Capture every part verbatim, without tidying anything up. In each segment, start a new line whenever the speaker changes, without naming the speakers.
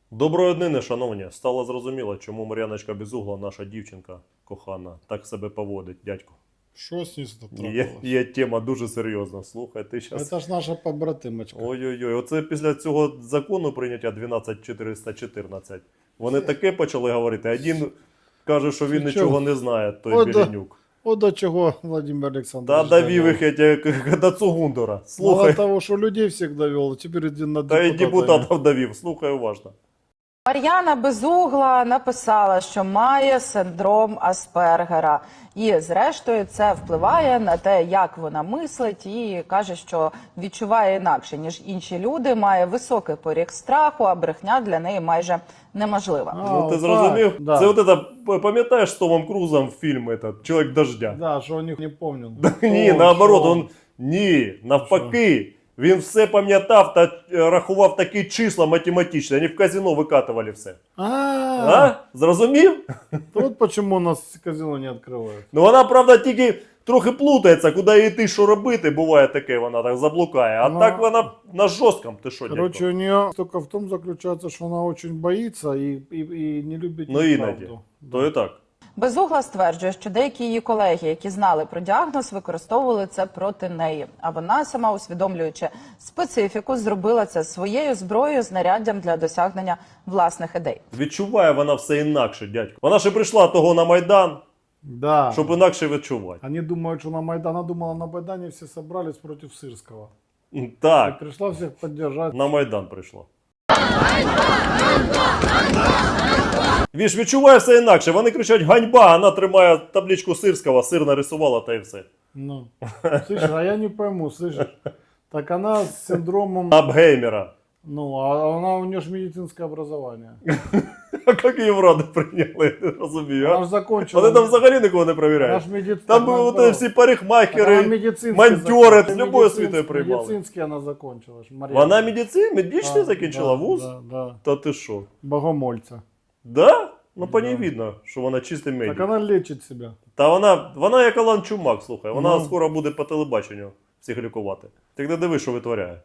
Доброї днини, шановні. Стало зрозуміло, чому Мар'яночка Безугла, наша дівчинка кохана, так себе поводить, дядько.
Що з ним трапилось?
Є, є тема дуже серйозна. Слухай, ти зараз...
Це ж наша побратимочка.
Ой-ой-ой, оце після цього закону прийняття дванадцять чотириста чотирнадцять. Вони таке почали говорити. Один каже, що він
Ти
нічого
чого?
не знає, той
От до-
Беленюк.
От до чого Владимир
Та
Олександрович
довів їх як до Цугундора.
Мало
Слухай,
того, що людей всіх довел, тепер іди на
та й
депутата.
депутатів довів. Слухай уважно.
Мар'яна Безугла написала, що має синдром Аспергера. І, зрештою, це впливає на те, як вона мислить, і каже, що відчуває інакше, ніж інші люди, має високий поріг страху, а брехня для неї майже неможлива.
А,
Ну ти
отак,
зрозумів?
да.
Це от это, пам'ятаєш з Томом Крузом фільм этот, «Чоловік дождя»?
Да, що у них не пам'ятаю.
Ні, наоборот, он, ні, навпаки. Він все пам'ятав та е, рахував такі числа математичні. Вони в казино викатували все.
А,
А? Зрозумів?
вот почему у нас казино не відкривають.
Ну вона, правда, тільки трохи плутається, куди йти, що робити. Буває таке, вона так заблукає. А
Ну,
так вона на жорсткому. Ти що,
Короче,
дядько?
у нее только в том заключается, что она очень боится и, и, и не любит
Ну іноді.
неправду.
То і так.
Безугла стверджує, що деякі її колеги, які знали про діагноз, використовували це проти неї. А вона сама, усвідомлюючи специфіку, зробила це своєю зброєю, знаряддям для досягнення власних ідей.
Відчуває вона все інакше, дядько. Вона ще прийшла того на Майдан,
Да.
щоб інакше відчувати.
Они думают, что на Майдан, она думала, на Майдане все собрались против Сырского. И
Так,
пришла всех поддержать.
на Майдан прийшла. Він ж відчуває все інакше. Вони кричать «Ганьба!», а вона тримає табличку Сирського, сир нарисувала та й все.
Ну, слышишь, а я не пойму, слышишь? Так она с синдромом,
Абгеймера.
ну, а она, у нее же медицинское образование.
А як її в раду прийняли, я не розумію.
Она
А?
же закончила.
Вони там взагалі нікого не
Она
перевіряють.
ж медици-
Там
так,
були
наоборот.
всі
Она
парикмахери,
медицинский
монтери,
закон-
з любої
медицинский-
світою приймали.
Медицинский она закончила. ж, Марьяна.
Вона медицин, медичний
Да,
закінчила
да,
вуз?
Да, да.
Та ти що?
Богомольца.
Да? Ну по ній
Да.
видно, що вона чистий
Так
медик.
она лечит себя.
Та вона, вона як Алан Чумак, слухай, вона
Ну.
скоро буде по телебаченню всіх лікувати. Ти не диви, що витворяє.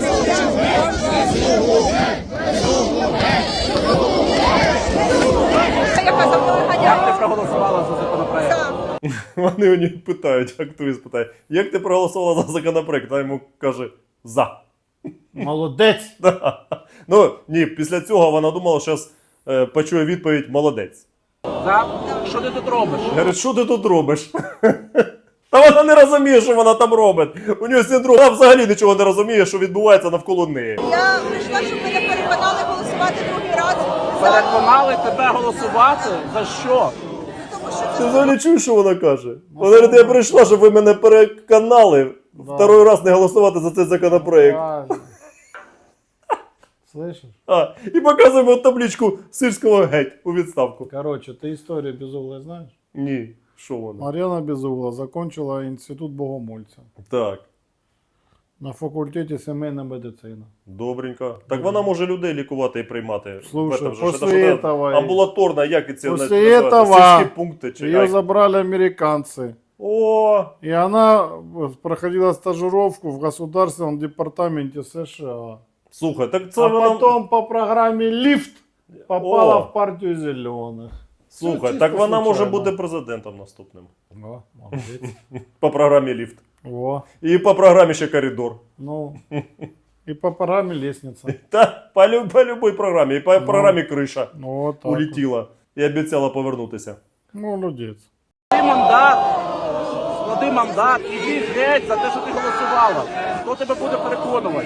Як ти проголосувала за законопроект?
Вони у нього питають, активіст питає, як ти проголосувала за законопроект? А йому каже, за.
Молодец.
Ну, ні, після цього вона думала, що зараз е, почує відповідь «молодець».
За? Що ти тут робиш?
Говорить, що ти тут робиш? Та вона не розуміє, що вона там робить. У нього синдром, вона взагалі нічого не розуміє, що відбувається навколо неї.
Я прийшла, щоб мене переконали голосувати другий раз за,
Переконали тебе голосувати? За що?
тому що
Ти взагалі чуєш, що вона каже? Вона говорить, я прийшла, щоб ви мене переконали
Да.
второй раз не голосувати за цей законопроект.
Правильно. Слышишь?
А, і показуємо табличку Сирського геть у відставку.
Короче, ты историю Безуглой знаешь?
Ні, що вона?
Марьяна Безугла закончила институт Богомольца
Так,
на факультете семейной медицины.
добренько. Так вона може людей лікувати і приймати.
Слушай,
В этом же,
после
що це
этого-
амбулаторна, як і це
После
називається?
этого
Сільські пункти чи
Ее
як?
забрали американцы.
О,
И она проходила стажировку в Государственном департаменте США.
слухай, так це
А
вона...
потом по программе «Лифт» попала
О.
в партию зеленых.
Слухай,
Всё
так
чисто
вона може
случайно.
бути президентом наступним.
О, молодец.
По програмі ліфт.
Во,
І по програмі ще коридор.
ну, и по программе «Лестница».
Та по, лю- по любой програмі. І по програмі криша
Ну, вот так вот.
улетіла. І обіцяла повернутися.
Молодец.
Склади мандат, склади мандат, іди геть за те, що ти голосувала. Хто тебе буде переконувати?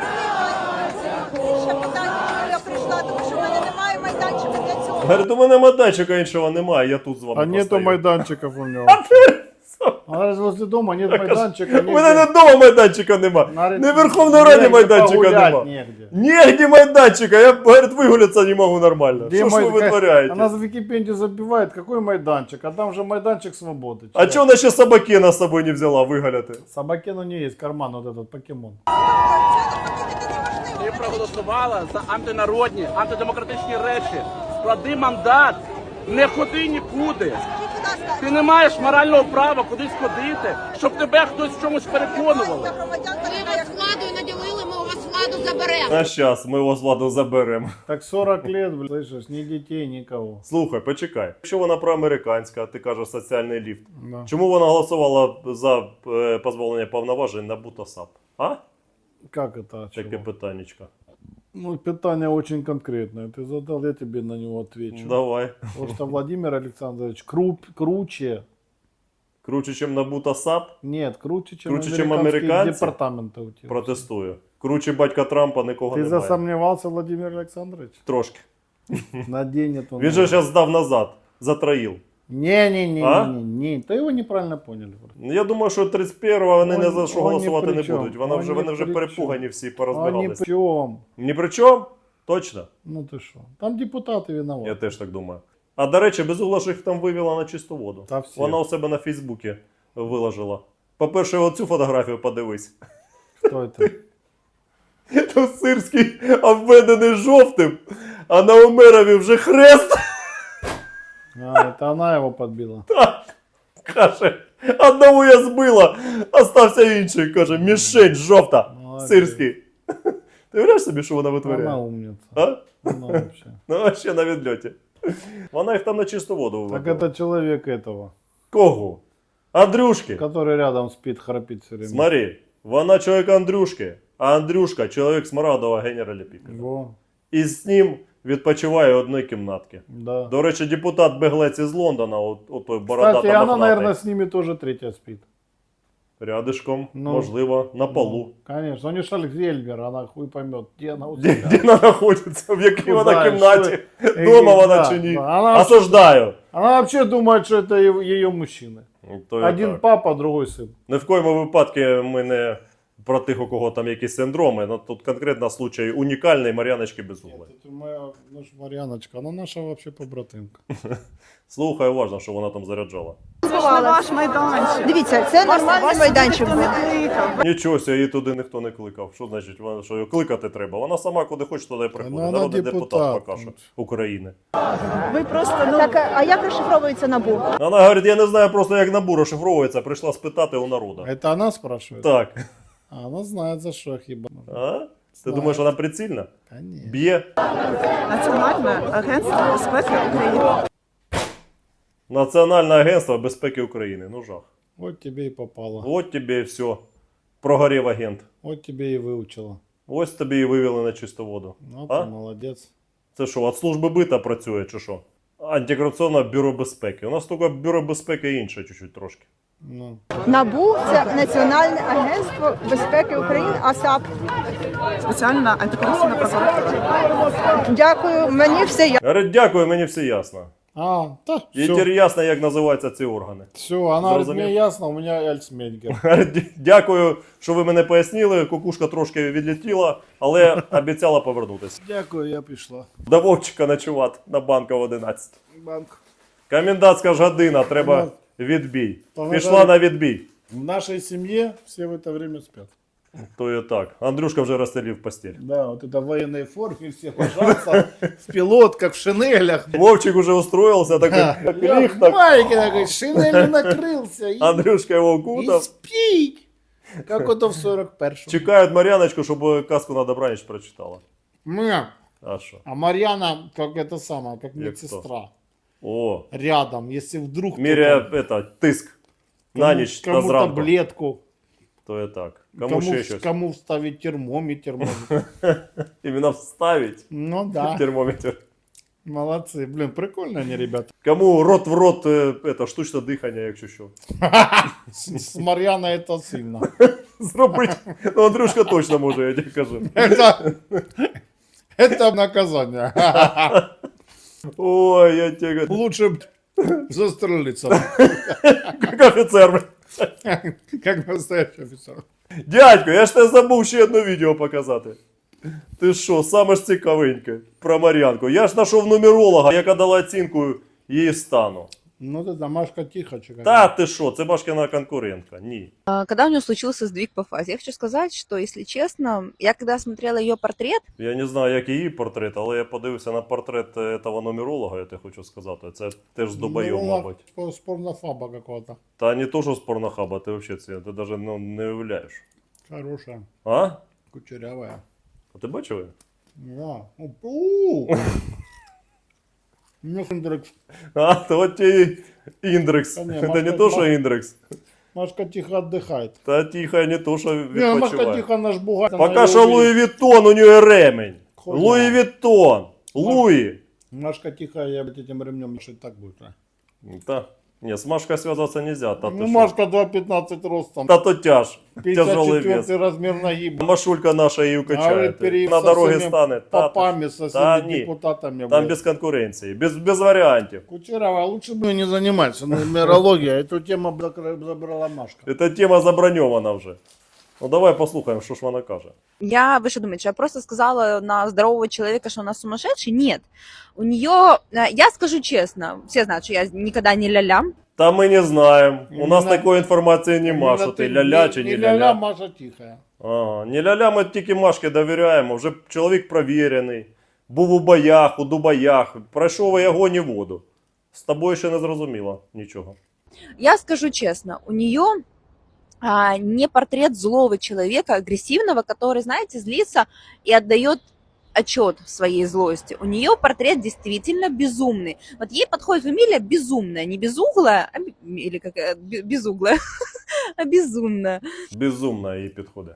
ще питання, чому я прийшла, тому що в мене немає майданчика для цього.
Говорить, у мене майданчика іншого немає, я тут з вами
А нету
постою.
майданчиков у него. А раз возле дома нет майданчика.
У мене не вдома майданчика нема.
Навіть
Не в Верховній Раді
негде
майданчика
погулять
нема.
негде.
Нігде майданчика, я, говорить, вигулятися не можу нормально.
Где
Що ж ви
май-
витворяєте?
Она в Википедии забивает, какой майданчик, а там же майданчик свободы.
А чого вона ще собакена з собою не взяла вигуляти?
Собакину не есть, карман вот этот покемон.
Ти проголосувала за антинародні, антидемократичні речі. Склади мандат, не ходи нікуди.
Скажіть, будь ласка,
Ти не маєш морального права кудись ходити, щоб тебе хтось в чомусь переконували.
я громадянка
Ви
така,
вас
як
владою наділили, ми у вас владу заберемо.
А зараз ми його з Владом заберемо.
Так сорок лет, блин, слышишь, ни детей, никого.
Слухай, почекай. Якщо вона проамериканська, ти кажеш соціальний ліфт.
Да.
Чому вона голосувала за е, позбавлення повноважень на БУТАСАП? А?
Как это?
Таке
Чего?
питаннячко.
Ну, питание очень конкретное. Ты задал, я тебе на него отвечу.
Давай.
Потому что Владимир Александрович круп, круче.
Круче, ніж на БУТАСАП,
Нет, круче, чем
Круче, чем
американские
американцы?
департаменты у тебя.
протестую. Круче батька Трампа нікого
Ты
немає.
засомневался, Владимир Александрович?
Трошки.
Наденет он.
Він же зараз здав назад. Затроїл.
Не-не-не,
А?
не, не, не. Ты его неправильно поняли.
Ну, я думаю, що тридцять першого вони
Он-
ні за що
он ні
голосувати
при
не
чому.
будуть. Вона
Он
вже,
ні
вони вже
при
перепугані всі,
А ни
порозбирались.
при чем.
Ні при чому? Точно?
Ну ты что? Там депутаты виноваты.
Я теж так думаю. А до речі, Безугла ж їх там вивела на чисту воду.
Та всі.
Вона у себе на Фейсбуці виложила. По-перше, оцю фотографію подивись.
Кто это?
Там Сирський обведений жовтим, а на Омерові вже хрест.
А, это она его подбила.
Каже, одного я збила, остався інший. Каже, мішень жовта.
Молодець.
Сирський. Ти уявляєш собі, що вона
Она
витворяє?
умница.
А?
Она вообще.
Ну, а ще на відльоті. Вона їх там на чисту воду
Так
вивела.
это человек этого,
Кого? Андрюшки.
который рядом спит, храпит все время.
Смотри, вона чоловік Андрюшки, а Андрюшка чоловік Смарадова генералі Піпера.
Во,
І з ним відпочиває в одній кімнатці.
да.
До речі, депутат Беглець із Лондона, от, от той бородата
Кстати, она,
мохнатий,
наверное, с ними тоже третья спит.
рядишком,
Ну.
можливо, на полу.
Ну, конечно, у нее Шальгзельбер, она хуй поймет, где она у
Де,
себя.
де вона знаходиться, в якій
Ну,
вона
да,
кімнаті,
що-
дома вона
да,
чи ні.
да, вона-
Осуждаю.
Она вообще думает, что это ее мужчины.
То і
Один
так.
папа, другой сын.
Ні в коєму випадку ми не про тих, у кого там якісь синдроми, но тут конкретно случай унікальний Мар'яночки Безуглої.
Это моя наша Марьяночка, она наша вообще побратимка.
Слухай уважно, що вона там заряджала.
Ваш майданчик. Дивіться, це нормальний майданчик був.
Нічого, ся, її туди ніхто не кликав. Що значить, вона, що її кликати треба? Вона сама куди хоче, туди і приходить.
Ну, вона
Народний депутат,
депутат.
поки що України.
Ви просто так, а як розшифровується НАБУ?
Вона говорить, я не знаю просто, як набу розшифровується, прийшла спитати у народу.
Это она спрашивает?
Так.
А она знает, за что хиба.
А? Ти
Знаю.
думаєш, вона прицільна?
Конечно.
Б'є?
Національне агентство безпеки України.
Національне агентство безпеки України. Ну жах.
Вот тебе и попало.
От тобі і все. Прогорів агент.
Вот тебе и выучила.
Ось тобі і вивели на чисту воду.
Ну,
А?
ты молодец.
Це що, від служби бита працює чи що? Антикорупційне бюро безпеки. У нас тільки бюро безпеки інше чуть-чуть трошки.
Ну.
НАБУ це Національне агентство безпеки України, АСАП.
Спеціальна антикорупційна прокуратура.
Дякую, мені все ясно.
Говорить, дякую, мені все ясно.
А, да,
І
все.
тепер ясно, як називаються ці органи.
Все, она говорит,
Зрозумів.
мне ясно, у меня Альцмейгер.
Говорить, «Дя- Дякую, що ви мене пояснили. Кукушка трошки відлетіла, але обіцяла повернутися.
Дякую, я пришла.
До Вовчика ночувати на банка в одинадцять.
Банк.
Комендантська ж година, треба відбій.
Та
Пішла
вона-
на відбій.
В нашей семье все в это время спят.
То і так. Андрюшка вже розстелив постіль.
Да, вот это в военной форме, все ложатся в пилотках, в шинелях.
Вовчик уже устроился, такой клих так.
Майки такой, шинелью накрылся и,
Андрюшка его
и
укутав.
спит. Как это в сорок первом.
Чекають Мар'яночку, щоб казку на добраніч прочитала.
Мы,
А що?
а Марьяна, как это самое, как
Як
медсестра.
О,
Рядом, если вдруг
міряє
кто-то-
это, тиск на ніч та
кому
зранку.
таблетку,
То і так. Кому,
кому,
ще
в-
щось?
кому вставить термометр. может.
Іменно вставить
Ну да,
термометр.
молодцы. Блин, прикольно они, ребята.
Кому рот в рот, е, это, штучне дихання, якщо що.
С, с Марьяной это сильно.
Зробить. Ну, Андрюшка точно може, я тебе кажу.
Это, это наказание.
Ой, я тебе говорю,
Лучше б застрелиться,
як офіцер.
как настоящий офицер.
Дядько, я ж тебе забув ще одне відео показати. Ти що, саме ж цікавеньке про Мар'янку. Я ж знайшов нумеролога, яка дала оцінку її стану.
Ну ты домашка тихо, чекай.
Та ти що, це Машкина конкурентка. Ні.
А, Когда у нее случился сдвиг по фазе, я хочу сказать, что, если честно, я когда смотрела ее портрет,
Я не знаю, як її портрет, але я подивився на портрет этого нумеролога, я тебе хочу сказати. Це теж з Дубайом,
Ну,
мабуть.
по- с порнофаба какого-то.
Та не то, що з порнохаба, ти взагалі це, ти навіть ну, не уявляєш.
Хорошая,
А?
кучерявая.
А ти бачив?
Да. У. Ну, Хендрикс.
А, то от і індрекс.
Та ні,
Це
Машка-
не то, що
Маш-
індрекс.
Машка тихо отдыхает.
Та тихо, не то, що
Не, Машка
відпочиває.
тихо наш бугай.
Поки що Луї Віттон, у нього ремень.
Хуйня.
Луї Віттон. Луї.
Машка тихо, я блядь, этим ремнем шить так будет. А?
Та, ні, з Машкою зв'язатися не можна. Та,
Ну,
то що?
Машка два пятнадцать ростом.
Та то тяж.
пятьдесят
Тяжелий вес.
четвёртый размер ноги.
Машулька наша її укачає.
переехал
На
со
дорогі
всеми
стане. Та,
попами, со
та
всеми
ні.
депутатами.
там
блядь.
без конкуренції, без, без варіантів.
Кучерова, лучше бы не заниматься нумерологией. Эту тему закры- забрала Машка.
Ця тема заброньована вже. Ну давай послухаємо, що ж вона каже.
Я, вы что думаете, что я просто сказала на здорового человека, что она сумасшедший? Нет. У нее, э, я скажу честно, все знают, что я никогда не ля-ля.
Та ми не знаємо. У нас
Именно-
такої інформації нема,
Именно
що ти
ты
ля-ля чи не
ля-ля,
ля-ля.
Маша тихая.
Ага, не ля-ля, ми тільки Машки довіряємо. Вже чоловік провірений. Був у боях, у дубаях. Пройшов і огонь і воду. З тобою ще не зрозуміло нічого.
Я скажу честно, у нее а, не портрет злого человека, агрессивного, который, знаете, злится и отдает отчет в своей злости. У нее портрет действительно безумный. Вот ей подходит фамилия безумная, не безуглая, а, бе- или какая, бе- безуглая, а безумная.
Безумна її підходить.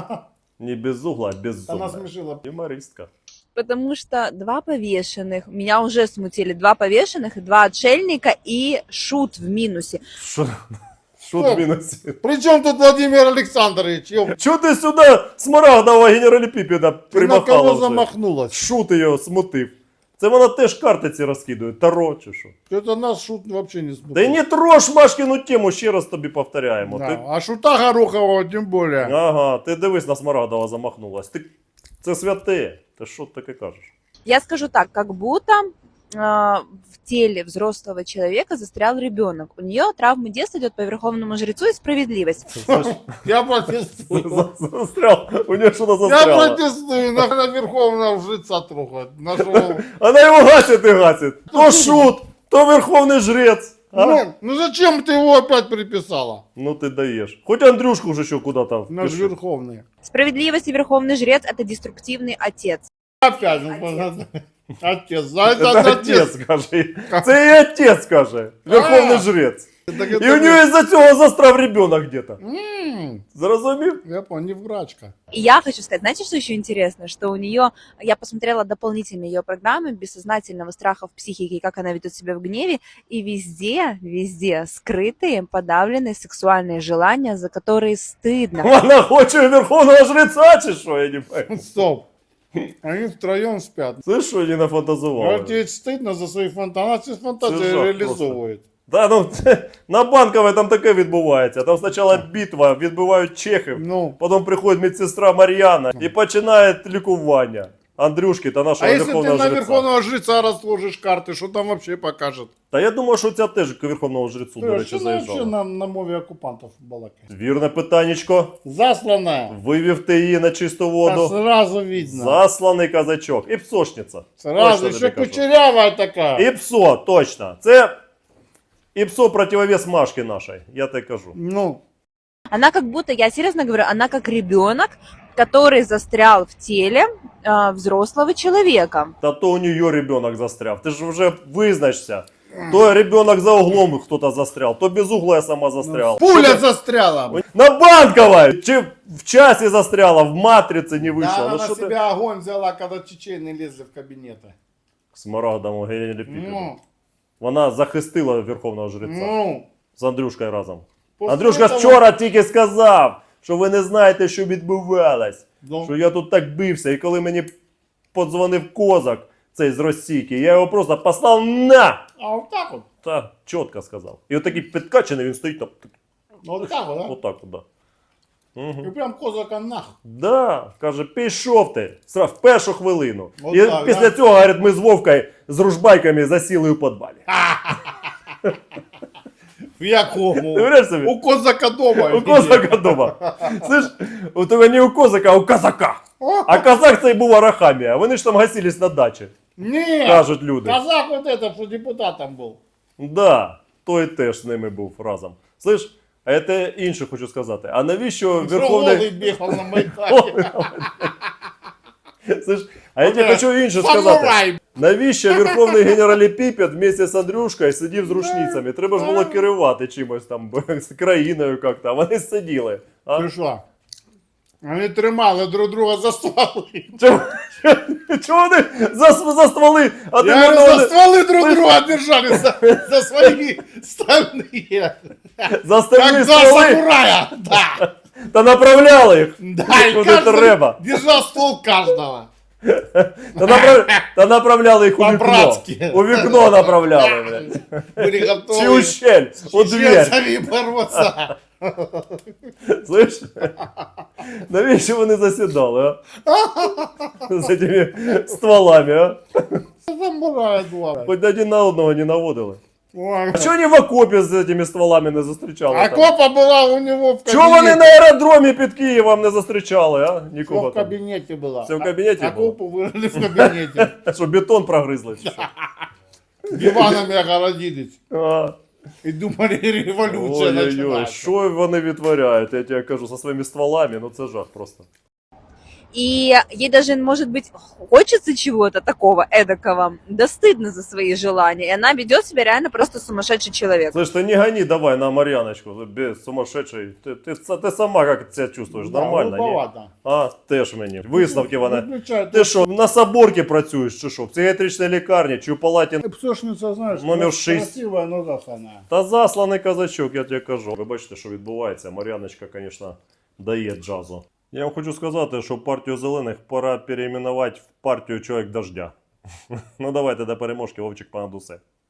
Не без угла, а
Она
безумна.
смешила.
Юмористка.
Потому что два повешенных, меня уже смутили, два повешенных, два отшельника и шут в минусе.
Що? Що
Стоп.
в мінусі?
Причем тут Владимир Александрович? Ёп,
Чого ти сюди смарагдового генераліпіпіда
ты на
примахала
кого
вже?
замахнулась?
Шут його смутив. Це вона теж картиці розкидує, таро чи що.
Это нас шут вообще не смутил.
Да й не трош Машкину тему, ще раз тобі повторяємо.
Да,
Ти...
А шута Горохова тем более.
Ага, ти дивись на Смарагдова замахнулась. Ти... Це святе. Ти що таке кажеш?
Я скажу так, как будто э, в теле взрослого человека застрял ребенок. У нее травмы детства идет по верховному жрецу и справедливость.
Я протестую.
Застрял. У нее что-то
Я
застряло.
протестую. На Верховного жреца трогать. Нашего...
Она его гасит и гасит. То шут, то верховный жрец. А?
Ну, ну зачем ты его опять приписала?
Ну ты даешь. Хоть Андрюшку уже еще куда-то
Наш
впиши.
Верховный.
Справедливость и верховный жрец – это деструктивный отец.
Опять. ну, понятно. Отец. За это,
Это
отец.
отец, скажи. Це і отец, скажи. Верховний
А.
жрец.
Так
І
это
у нього із-за цього застряв ребенок где-то.
М,
Зрозумів?
Я понял, не врачка.
И я хочу сказать, знаете, что еще интересно? Что у нее, я посмотрела дополнительные ее программы бессознательного страха в психике, как она ведет себя в гневе, и везде, везде скрытые, подавленные сексуальные желания, за которые стыдно.
Вона хоче верховного жреця чи що, я не пойму.
Стоп. Они втроем спят.
Це що не
А
нафантазували?
тебе стыдно за свои фантазии. Она все
Це
фантазии
жах
реализовывает.
Да, ну, на Банковій там таке відбувається. Там спочатку битва, відбивають чехів,
Ну.
потім приходить медсестра Мар'яна і починає лікування. Андрюшки та
А
нашого
если ты
верховного
на
жреця.
Верховного жреца разложишь карты, что там вообще покажет?
Та я думаю, що ця теж к верховному жрецу, до
Ты
речі,
что вообще
заїжджала.
на, на мове оккупантов балакает?
Вірне питаннячко.
Засланная.
Вивів ти її на чисту
Да
воду.
сразу видно.
Засланий казачок. І псошниця.
Сразу,
Точно
еще
тобі кажу.
кучерявая такая.
І псо, точно. Це і псо противовес Машки нашій, я так кажу.
Ну,
Она как будто, я серьезно говорю, она как ребенок, который застрял в теле э, взрослого человека.
Та то у нее ребенок застряв. Ти ж вже визначся. То ребенок за углом кто-то застрял, то без угла я сама застряла.
пуля застряла.
На Банковой! Чи в часе застряла, в матрице не
Да,
вышла.
она
Ну
на
что ты?
себя огонь взяла, когда чечены лезли в кабинеты.
Смарагдовому генераліпіпіду.
Ну,
Вона захистила верховного жреця
ну.
з Андрюшкою разом.
После
Андрюшка
этого-
вчора тільки сказав, що ви не знаєте, що відбувалось.
Ну.
Що я тут так бився. І коли мені подзвонив козак, цей з Російки, я його просто послав на!
А вот так вот.
Та чітко сказав. І отакий підкачаний, він стоїть там.
Ну, вот так вот, да?
Отак от, да. Угу.
И прям козака нах.
Да, каже, пішов ти Сра- в першу хвилину.
От
І
так,
після
да?
цього, говорить, ми з Вовкою з ружбайками засіли у підвалі.
В якому?
Ти уявляєш собі?
У козака дома.
У козака дома. Слышь, у тебе не у козака, а у казака. А казак цей був Арахамія. Вони ж там гасились на дачі,
Нет.
кажуть люди.
Казак вот этот, что депутатом был.
Да, той теж з ними був разом. Слышь, а це інше хочу сказати. А навіщо
Голый
Верховний...
бегал на Майдане.
Слышь, а я тебе хочу інше сказати.
Самурай!
Навіщо верховний генераліпіпед вместе з Андрюшкою сидів з рушницями? Треба ж було керувати чимось там, з країною як-то, а вони сиділи. А?
Ти що? Вони тримали друг друга за стволи.
Чому, чому вони за, за стволи? А ти
Я говорю,
мене-
за стволы друг друга держали, за, за свои стальные.
за стальні
Как два
стволи
самурая. Да.
та направляли їх.
Да, и
Куди
каждый
треба.
держал ствол каждого.
Та, направ... та направляли їх у вікно.
По-братськи.
У вікно направляли, блядь.
Были
Чи у
готовы
щель, у
с
дверь.
чеченцами бороться.
Слышь? Навіщо вони засідали, а? З цими стволами, а?
Самурая два.
Хоч один на одного не наводили.
Ой.
А чого вони в окопі з цими стволами не зустрічали?
А
там?
копа была у него в
Чого вони на
кабинете.
аеродромі під Києвом не зустрічали, а?
Всё
Нікого
в
там.
кабинете была.
Все в кабинете
А
было?
копу вырыли в кабинете.
Що, бетон прогризли? чи що?
Диванами огородились.
А.
И думали, революция
Ой-ой-ой,
начинается.
що вони відтворяють, я тебе кажу, со своїми стволами, ну це жах просто.
И ей даже, может быть, хочется чего-то такого эдакого, да стыдно за свои желания. И она ведет себя реально просто сумасшедший человек.
Слышь, ты не гони давай на Марьяночку, без сумасшедший. Ты, ты, ты сама как себя чувствуешь,
Да,
нормально, ні?
грубовато.
А, теж мені. Висновки вона.
Выключай,
Ти що, на Соборці працюєш чи що? В психіатричній лікарні чи в палаті?
Псошниця, знаєш,
Номер
крас-
шість.
красива, но засана.
Та засланий казачок, я тебе кажу. Ви бачите, що відбувається. Мар'яночка, звісно, дає джазу. Я вам хочу сказати, що партію зелених пора переименувати в партію Чоловік Дождя. Ну давайте до переможки, Вовчик понад усе.